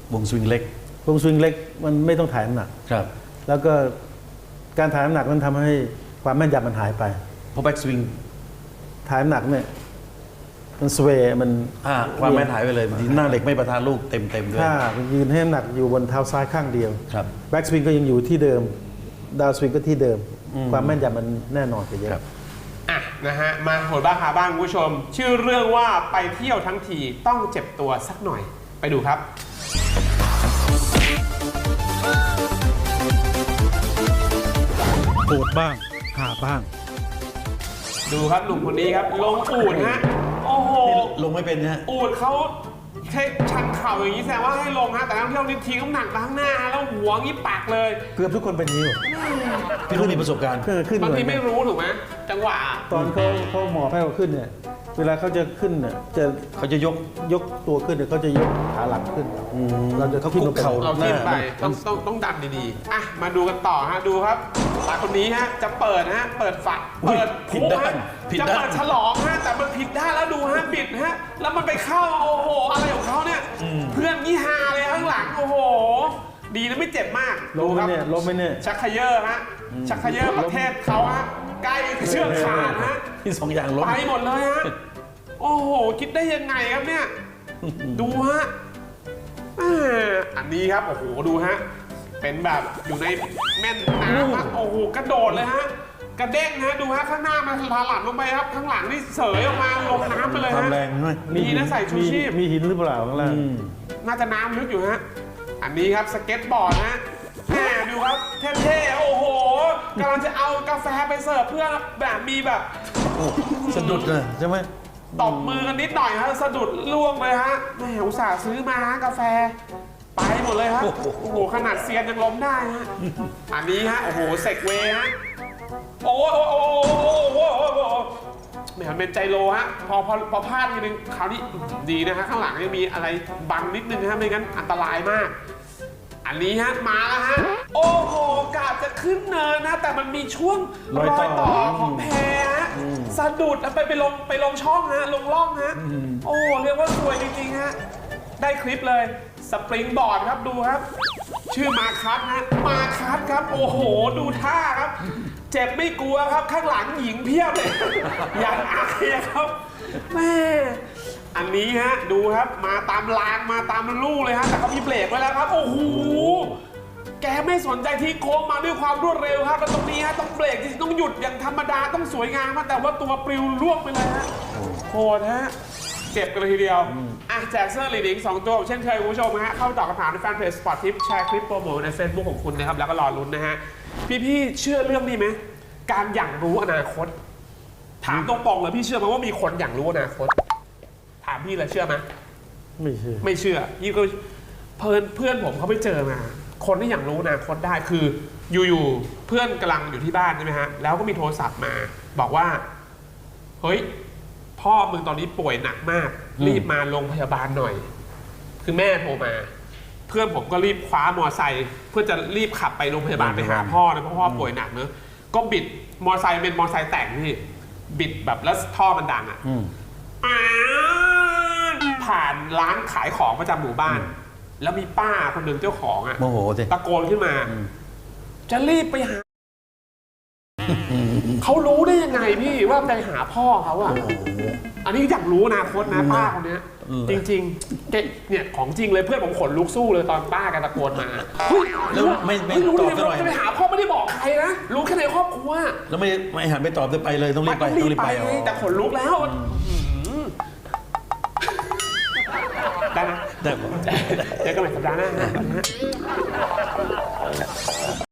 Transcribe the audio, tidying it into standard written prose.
วงสวิงเล็กมันไม่ต้องถ่ายน้ำหนักครับแล้วก็การถ่ายน้ำหนักมันทำให้ความแม่นยำมันหายไปเพราะแบ็กสวิงถ่ายน้ำหนักเนี่ยมันสเวย์มันความแม่นหายไปเลยหน้าเหล็กไม่ประทานลูกเต็มด้วยถ้ายืนให้น้ำหนักอยู่บนเท้าซ้ายข้างเดียวแบ็กสวิงก็ยังอยู่ที่เดิมดาวสวิงก็ที่เดิมความแม่นยำมันแน่นอนไปเยอะนะฮะมาโหดบ้าคาบ้างคุณผู้ชมชื่อเรื่องว่าไปเที่ยวทั้งทีต้องเจ็บตัวสักหน่อยไปดูครับโหดบ้างหาบ้างดูครับหนุ่มคนนี้ครับลงอูฐฮะโอ้โหลงไม่เป็นนะอูฐเขาแค่ชันเข่าอย่างนี้แสดงว่าให้ลงฮะแต่นักท่องเที่ยวนี่ทิ้งน้ำหนักมาข้างหน้าแล้วหัวงี้ปากเลยเกือบทุกคนเป็นนิ้วพี่รุ่นมีประสบการณ์บางทีไม่รู้ถูกไหมจังหวะตอนเขาหมอให้เขาขึ้นเนี่ยเวลาเขาจะขึ้นเนี่ยเขาจะยกตัวขึ้นเนี่ยเขาจะยกขาหลังขึ้นเราจะคุกเข่าเราขึ้นไปต้องดันดีๆอ่ะมาดูกันต่อฮะดูครับตาคนนี้ฮะจะเปิดฮะเปิดฝักเปิดผิดด้านจะเปิดฉลองฮะแต่มันผิดด้านแล้วดูฮะบิดฮะแล้วมันไปเข้าโอ้โหอะไรของเขาเนี่ยเพื่อนยี่ฮาเลยข้างหลังโอ้โหดีนะไม่เจ็บมากล้มเนี่ยล้มไหมเนี่ยชักเขย่อฮะชักเขย่อประเทศเขาฮะใกล้เชือกขาดฮะที่2 อย่างล้มไปหมดเลยฮะโอ้โหคิดได้ยังไงครับเนี่ยดูฮะอันนี้ครับโอ้โหดูฮะเป็นแบบอยู่ในแม่น้ำโอ้โหกระโดดเลยฮะกระเด้งฮะดูฮะข้างหน้ามันถลาลงไปครับข้างหลังนี่เสยออกมาลงน้ำไปเลยฮะแรงด้วยมีนะใส่ชูชีพมีหินหรือเปล่าข้างล่างน่าจะน้ำลึกอยู่ฮะอันนี้ครับสเก็ตบอร์ดฮะดูครับเท่ๆโอ้โหกำลังจะเอากาแฟไปเสิร์ฟเพื่อนแบบมีแบบสะดุดเลยใช่ไหมตบมือกันนิดหน่อยฮะสะดุดล่วงเลยฮะแหมอุตส่าห์ซื้อมากาแฟไปหมดเลยฮะโอ้โหขนาดเซียนยังล้มได้ฮะอันนี้ฮะโอ้โหเซกเวย์ฮะโอ้โหแหมเป็นใจโลฮะพอพลาดทีนึงคราวนี้ดีนะฮะข้างหลังยังมีอะไรบังนิดนึงฮะไม่งั้นอันตรายมากอันนี้ฮะมาแล้วฮะโอ้โหกาบจะขึ้นเนินนะแต่มันมีช่วงรอยต่อของแพฮะสะดุดไปลงช่องฮะลงร่องฮะโอ้เรียกว่าสวยจริงๆฮะได้คลิปเลยสปริงบอร์ดครับดูครับชื่อมาคัสฮะมาคัสครับโอ้โหดูท่าครับเจ็บไม่กลัวครับข้างหลังหญิงเพียบเลยอย่างอายครับแม่อันนี้ฮะดูครับมาตามรางมาตามลู่เลยฮะแต่เขามีเบรกไว้แล้วครับโอ้โหแกไม่สนใจที่โค้งมาด้วยความรวดเร็วครับแล้วตรงนี้ฮะต้องเบรกต้องหยุดอย่างธรรมดาต้องสวยงามแต่ว่าตัวปลิวล่วงไปเลยฮะโหดฮะเจ็บกันเลยทีเดียวแจกเสื้อลีดิ้ง2 ตัวเช่นเคยคุณผู้ชมฮะเข้าตอบคำถามในแฟนเพจสปอร์ตทิปแชร์คลิปโปรโมทใน Facebook ของคุณนะครับแล้วก็รอลุ้นนะฮะพี่เชื่อเรื่องนี้ไหมการอย่างรู้อนาคตถามตรงๆเลยพี่เชื่อไหมว่ามีคนอย่างรู้อนาคตถามพี่เลยเชื่อไหมไม่เชื่อพี่ก็เพื่อนผมเขาไปเจอมาคนที่อย่างรู้อนาคตได้คืออยู่เพื่อนกำลังอยู่ที่บ้านใช่ไหมฮะแล้วก็มีโทรศัพท์มาบอกว่าเฮ้ยพ่อมึงตอนนี้ป่วยหนักมากรีบมาโรงพยาบาลหน่อยคือแม่โทรมาเพื่อนผมก็รีบคว้ามอไซค์เพื่อจะรีบขับไปโรงพยาบาลไปหาพ่อนะเพราะพ่อป่วยหนักเนอะก็บิดมอไซค์เป็นมอไซค์แต่งที่บิดแบบแล้วท่อมันดังอ่ะผ่านร้านขายของประจำหมู่บ้านแล้วมีป้าคนหนึ่งเจ้าของอ่ะโมโหตะโกนขึ้นมาจะรีบไปหาเขารู้ได้ยังไงพี่ว่าไปหาพ่อเขาอ่ะอันนี้อยากรู้อนาคตนะป้าคนนี้จริงๆเนี่ยของจริงเลยเพื่อนผมขนลุกสู้เลยตอนป้าแกตะโกนมาแล้วไม่รู้ตอบจะไปหาพ่อไม่ได้บอกใครนะรู้แค่ในครอบครัวแล้วไม่หันไปตอบไปเลยต้องรีบไปแต่ขนลุกแล้วได้นะเจอกันใหม่สัปดาห์หน้า